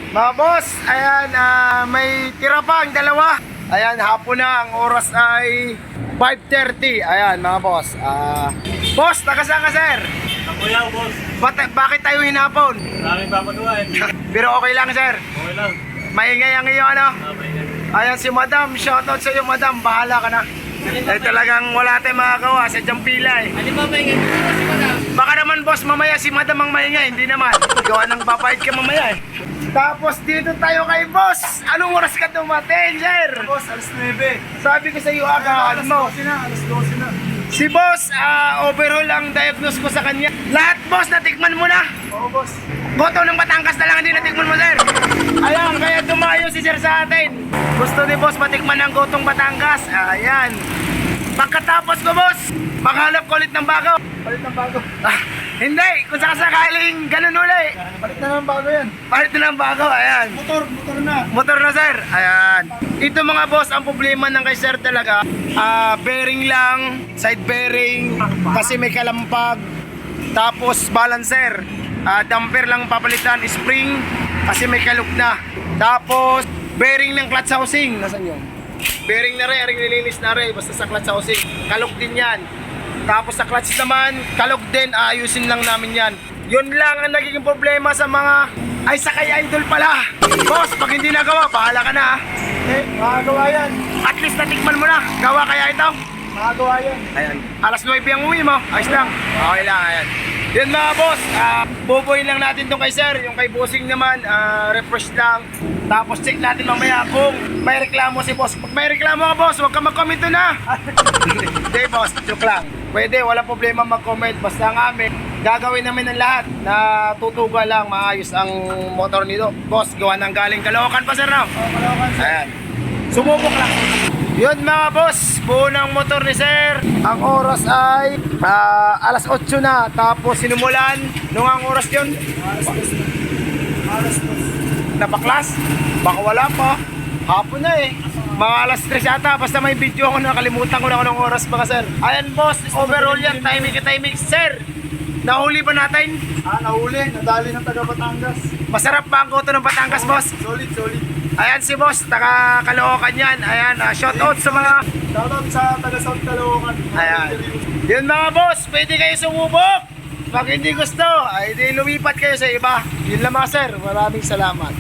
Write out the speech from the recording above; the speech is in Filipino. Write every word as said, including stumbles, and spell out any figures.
Mga boss, ayan, ah, may tira pa ang dalawa. Ayan, hapon na, ang oras ay five thirty. Ayan, mga boss. Ah, boss, taga-saan ka, sir? Ako yan, boss. Bata- bakit tayo hinapon? Maraming papagawa eh. Pero okay lang, sir. Okay lang. Maingay ang iyo, ano? Ah, maingat. Ayan si madam, shoutout sa iyo, madam. Bahala ka na. Eh, talagang wala tayong makagawa sa diyang pila eh. Ano ba maingay dito si madam? Baka naman boss, mamaya si madam ang maingay. Hindi naman. Gawa ng papayad ka mamaya eh. Tapos dito tayo kay boss. Anong oras ka dumating, sir? Boss, alas nuwebe. Sabi ko sa iyo aga, ano mo? na, alas dose na. Si boss, ah, overall ang diagnose ko sa kanya. Lahat boss, natikman mo na. Oo, boss. Boto ng Batangas na lang hindi natikman mo, sir. Ayan, kaya dumayo si sir sa atin. Gusto ni boss matikman ng gotong Batangas. Ayan. Pagkatapos ko, boss, maghanap ko ulit ng bago. Palit ng bago. Ah, hindi, kung sakasakaling ganun uli. Palit na ng bago yan. Palit na ng bago, ayan. Motor, motor na. Motor na, sir. Ayan. Ito mga boss, ang problema ng kay sir talaga, ah, bearing lang, side bearing, kasi may kalampag. Tapos balancer, ah, damper lang papalitan, spring, kasi may kalug na. Tapos bearing ng clutch housing, nasan yun? Bearing na rin, aring nilinis na rin, basta sa clutch housing, kalug din yan. Tapos sa clutch naman, kalug din, aayusin lang namin yan. Yun lang ang nagiging problema sa mga, ay sa kay idol pala. Boss, pag hindi nagawa, bahala ka na ah. Eh, makagawa yan. At least natikman mo na, gawa kaya ito? Makagawa yan. Ayan, alas nuwebe ang uwi mo, ayos lang. Okay lang, ayan. Yun mga boss, uh, bubuin lang natin tong kay sir. Yung kay bossing naman, ah, refresh lang. Tapos check natin mamaya kung may reklamo si boss. Pag may reklamo ka boss, huwag ka mag-comment na. Hindi boss, joke lang. Pwede, wala problema mag-comment. Basta ang amin, gagawin namin ang lahat na tutuga lang, maayos ang motor nito. Boss, gawa ng galing Caloocan pa sir, no? Oo, Caloocan, sir. Ayan. Sumubok lang. Yun mga boss, buo ng motor ni sir. Ang oras ay ah, alas otso na. Tapos sinumulan, nung ang oras yun, Alas dos na. Alas dos. napaklas. Baka wala pa. Hapon na eh. Mga alas tres yata. Basta may video ako, nakalimutan ko na kung anong oras pa ka sir. Ayan boss, overall yan. Timing ka timing. Sir, nahuli ba natin? Ah, nahuli. Nadali ng taga Batangas. Masarap ba ang goto ng Batangas boss? Solid, solid. Ayan si boss, taga Caloocan yan. Ayan, uh, shout out sa mga... Shoutout sa taga South Caloocan. Ayan. Yun mga boss, pwede kayo sumubok. Pag hindi gusto, ay di lumipat kayo sa iba. Yun lang mga sir, maraming salamat.